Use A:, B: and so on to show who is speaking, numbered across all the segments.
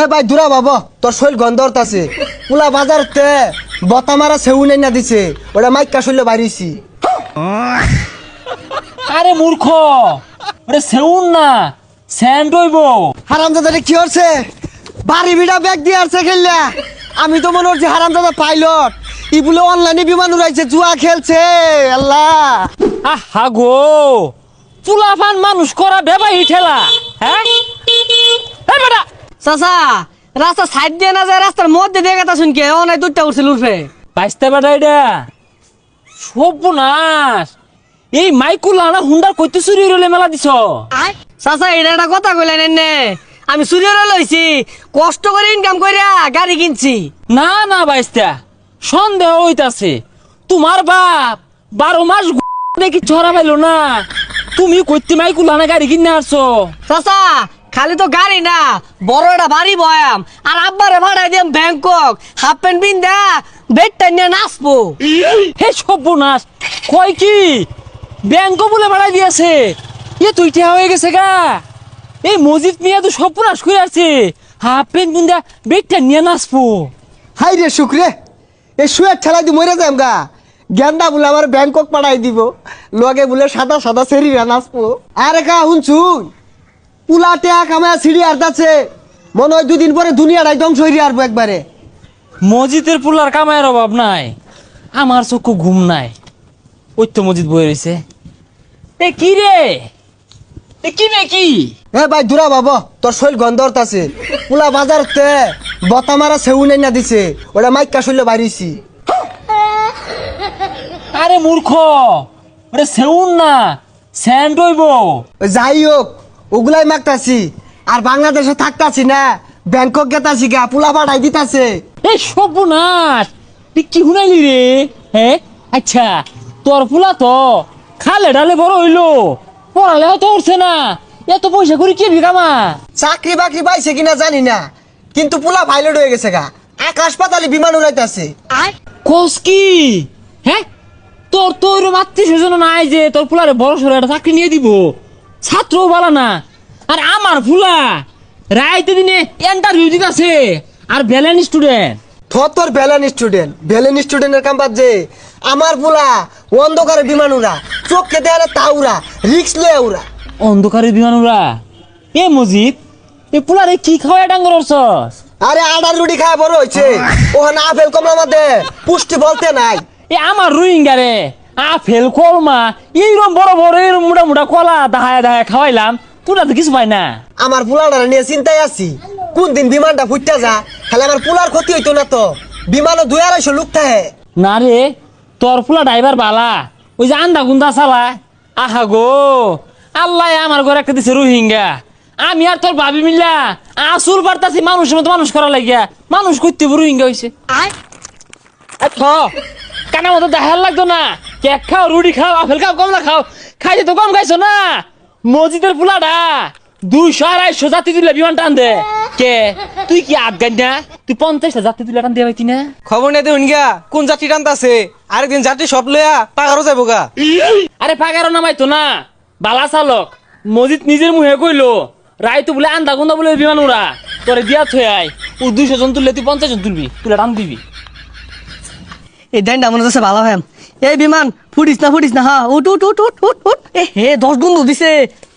A: ভাই দূরা বাবা তোর শৈল গন্ধর আছে পুলা বাজারতে বতা মারা সেউ নাই না দিছে ওটা মাইকা শৈল বাইরেছি।
B: আরে মূর্খ, ওটা সেউন না স্যান্ড হইব।
A: হারামজাদা কি হচ্ছে বাড়ি বিড়া ব্যাগ দিয়ে আসছে খেললা। আমি তো মনে হচ্ছে হারামজাদা পাইলট ই বলে অনলাইনে বিমান উড়াইছে জুয়া খেলছে। আল্লাহ
B: আহা গো, চুলাফান মানুষ করা বেবাই ঠেলা। হ্যাঁ বেটা
C: চাচা রাস্তা সাইড দিয়ে না যায় রাস্তার মধ্যে দিয়ে গেতা শুনকে অনেক দুধটা উঠছিল উঠবে
B: বাইসতে বেটা এটা সর্বনাশ। এই মাইকুলা না হুন্ডার কইতে চুরি রলে মেলা দিছ।
C: চাচা এটা একটা কথা কইলেন এনে আমি চুরিও লইছি কষ্ট করে ইনকাম করিয়া গাড়ি কিনছি।
B: না না বাইস্তা সন্দেহ হইতাছে তোমার বাপ 12 মাস দেখি ছড়া পাইলো না, তুমি কইতে মাইকুলা না গাড়ি কিনে আসছো।
C: চাচা খালি তো গাড়ি না বড় একটা বাড়ি বয়াম আর আব্বারে ভাড়াই দিম ব্যাংকক হাফ প্যান্ট পিন্দা বেডটা নিয়ে নাচবো।
B: হে সর্বনাশ, কয় কি ব্যাংক বলে ভাড়া দিয়েছে? এ তুই ঠেয়া হয়ে গেছে গা। এই মসজিদ নিয়ে তো সর্বনাশ করে আছে, হাফ প্যান্ট পিন্দা বেগটা নিয়ে নাচবো।
A: হাই রে শুক্রে এই শুয়ের ঠেলাই দি মরে যাম গা। গেন্দা বলে আমার ব্যাংকক পাঠাই দিব লগে বলে সাদা সাদা সেরিরা নাচবো। আরে কা শুনছুন পুলা টেয়া কামায় সিঁড়ি আর্দাচ্ছে মনে হয় 2 দিন পরে দুনিয়াটাই ধ্বংস হয়ে আসবো একবারে।
B: মসজিদের পুলার কামায়ের অভাব নাই, আমার চক্ষু ঘুম নাই। ওই তো মসজিদ বয়ে রয়েছে। এ কি রে, এ কি রে কি?
A: এ ভাই দূরা বাবা তোর শৈল গন্ধর আছে পুলা বাজারতে বতা মারা সেউ নাই না দিছে ওটা মাইকা শৈল বাইরেছি।
B: আরে মূর্খ, ওটা সেউন না স্যান্ড হইব।
A: যাই হোক ওগুলাই মাগতাছি আর বাংলাদেশে থাকতাছি না ব্যাংকক গেতাছি গা পুলা পাঠাই দিতাছে।
B: এই সর্বনাশ, তুই কি শুনাইলি রে? হ্যাঁ আচ্ছা তোর ফুলা তো খালে ডালে বড় হইলো, পড়ালেও তো উঠছে না, এত পয়সা করে কি বিকামা?
A: চাকরি বাকরি পাইছে কিনা জানি না কিন্তু পুলা পাইলট হয়ে গেছে গা, আকাশ পাতালে বিমান উড়াইতাছে।
B: কোস কি? হ্যাঁ তোর তো ওইরকম আত্মীয় স্বজন নাই যে তোর ফুলারে বড় সড়ো একটা চাকরি নিয়ে দিব, ছাত্রও বলা না। আর আমার ফুলা রাইতে দিনে ইন্টারভিউ দিতেছে আর ভ্যালেন্ট স্টুডেন্ট।
A: তোর ভ্যালেন স্টুডেন্টের কাম বাদ যে আমার পুলা অন্ধকারে বিমান উড়া চোখকে দেয় না তা উড়া রিক্স লয়ে উড়া।
B: অন্ধকারের বিমান উড়া? এ মজিদ এ পুলারে কি খাওয়া ডাঙ্গর অর্চস?
A: আরে আডার রুটি খায় বড় হয়েছে ওখানে আপেল কমলা মধ্যে পুষ্টি বলতে নাই।
B: এ আমার রোহিঙ্গা রে আপেল কলমা এইরকম বড় বড় এরকম মোটা মোটা কলা দাহায় দাহায় খাওয়াইলাম, তোরা তো কিছু পাই না।
A: আমার পুলাটা নিয়ে চিন্তায় আছি কোন দিন বিমানটা ফুটতে যা, খালি আমার পুলার ক্ষতি হইতো না তো। বিমানও 2-250 লোক থাকে।
B: না রে তোর ফুলা ড্রাইভার বালা, ওই যে আন্দা গুন্দা চালা। আহা গো আল্লাহ আমার ঘরে একটা দিছে রোহিঙ্গা, আমি আর তোর ভাবি মিল্লা আসুর পারতাছি মানুষের মতো মানুষ করা লাগিয়া মানুষ করতে রোহিঙ্গা হয়েছে। কানা মতো দেখার লাগতো না, কেক খাও রুটি খাও আপেল খাও কমলা খাও, খাইতে তো কম খাইছো না। মসজিদের ফুলাটা 200-250 যাত্রী তুলে বিমান টান দে। কে তুই কি আফগান না? তুই 50টা যাত্রী তুলে টান দিয়ে পাইতি না?
D: খবর নেই দেখুন গিয়া কোন যাত্রী টানতাছে, আরেকদিন যাত্রী সব লইয়া পাগারও যাবো গা।
B: আরে পাগারও নামাইতো না, বালা চালক মসজিদ নিজের মুহে কইলো রাইতো বলে আন্দা গুন্দা বলে বিমান উড়া তোরে দিয়া থই আয়, ও 200 জন তুললে তুই 50 জন তুলবি, তুলে টান দিবি।
C: এই ডাইনটা মনে হচ্ছে ভালো হ্যাম। এই বিমান ফুটিস না হ্যাঁ উঠ উঠ উঠ উঠ উঠ উঠ। এ হে 10 গুণ দিছে।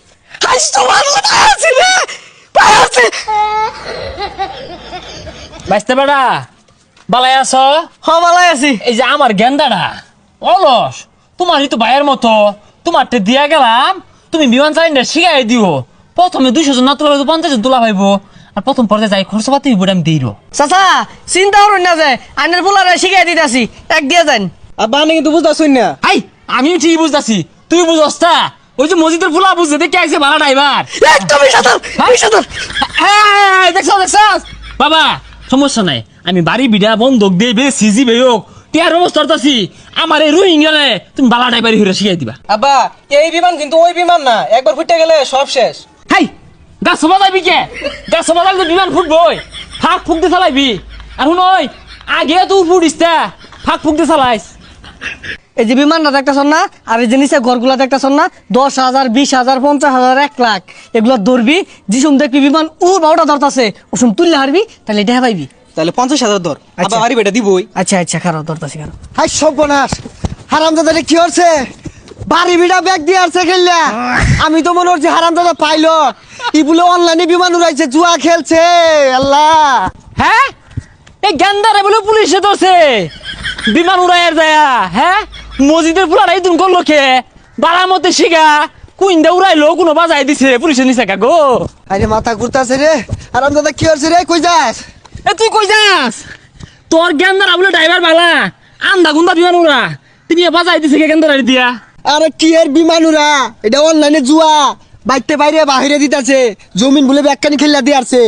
B: বাইসতে বেড়া বালাই আছ?
C: ভালাই আছি।
B: এই যে আমার গেন্দাটা অলস, তোমারই তো ভাইয়ের মতো, তোমারটা দিয়া গেলাম তুমি বিমান চালিনা শিখাই দিও। প্রথমে 200 জন না তোলা 50 জন তোলা পাইবো, আর প্রথম পর্যায়ে যাই খরচ পাতি হইব আমি দিই।
C: চাচা চিন্তা করুন না যে আইনের পোলারে শিখাই দিতেছি এক দিয়ে যান।
D: আব্বা আমি কিন্তু বুঝতেছুন না।
B: হাই আমিও ঠিক বুঝতেছি, তুই বুঝস তা? ওই যে মসজিদের ফুলা বুঝতে দেখে আইছে ভাড়া ড্রাইভার।
C: একদমই সাঁতার সাঁতার।
B: দেখছ বাবা সমস্যা নাই, আমি বাড়ি বিড়া বন্ধক দিয়ে বে সিজি বে হোক টিয়ার ব্যবস্থা করতেছি। আমার এই রোহিঙ্গা তুমি বালা ড্রাইভারি হইরা শিখাই দিবা।
D: আব্বা এই বিমান কিন্তু ওই বিমান না, একবার ফুটে গেলে সব শেষ।
B: হাই গাছ সবা যাবি কে? গাছ সবা যাবি তো বিমান ফুটবই, ফাঁক ফুক দিয়ে চালাইবি। আর শুন আগে তো ফুটিস তা ফাঁক ফুক দিয়ে চালাইস।
C: এই যে বিমানটা দেখতেছ না আর এই যে নিচে ঘরগুলা দেখতেছ না 10,000 20,000 50,000 1 লাখ এগুলো ধরবি যিসুম দেখবি বিমান বারোটা ধরতাছে ওসম তুললে হারবি তাহলে এটা পাইবি।
D: তাহলে 50,000 ধর
C: আচ্ছা।
D: আবার বাড়ি বেটা দিবই।
C: আচ্ছা খারো ধরতাছি খারো।
A: হাই সর্বনাশ হারামজাদা কি হচ্ছে বাড়ি বিড়া ব্যাগ দিয়ে আসছে খেললা আমি তো মনে হচ্ছে হারামজাদা পাইলট ইগুলো অনলাইনে বিমান উড়াইছে জুয়া খেলছে আল্লাহ।
B: হ্যাঁ এই গেন্দারে বলে পুলিশে ধরছে বিমান উড়াইয়ের যায়া। হ্যাঁ মসজিদের পুলার এই তুমি করলো খে বাড়ার মধ্যে শিখা কুইন্দা উড়াইলো কোনো বাজাই দিছে পুলিশের নিচে গো।
A: আরে মাথা ঘুরতাছে রে হারামজাদা কি হচ্ছে রে কই যাস?
B: এ তুই কই যাস? তোর গেন্দারা বলে ড্রাইভার বালা আন্দা গুন্দা বিমান উড়া তিনি বাজাই দিছে কে গেন্দারে দিয়া।
A: আরে কি এর বিমান উড়া এটা অনলাইনে জুয়া বাইতে বাইরে বাহিরে দিতাছে জমিন বলে ব্যাগখানি খেললা দিয়ে আসছে।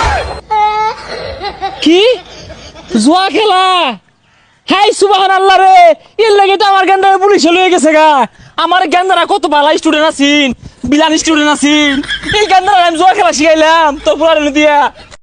B: কি জুয়া খেলা? হাই সুবহানাল্লাহ রে এর লাগে তো আমার গেন্দারে পুলিশ লয়ে গেছে গা। আমার গেন্দারা কত ভালো স্টুডেন্ট আছিন বিলান স্টুডেন্ট আছিন এই গেন্দারা আমি জুয়া খেলা শিখাইলাম তোর পুলারে দিয়া।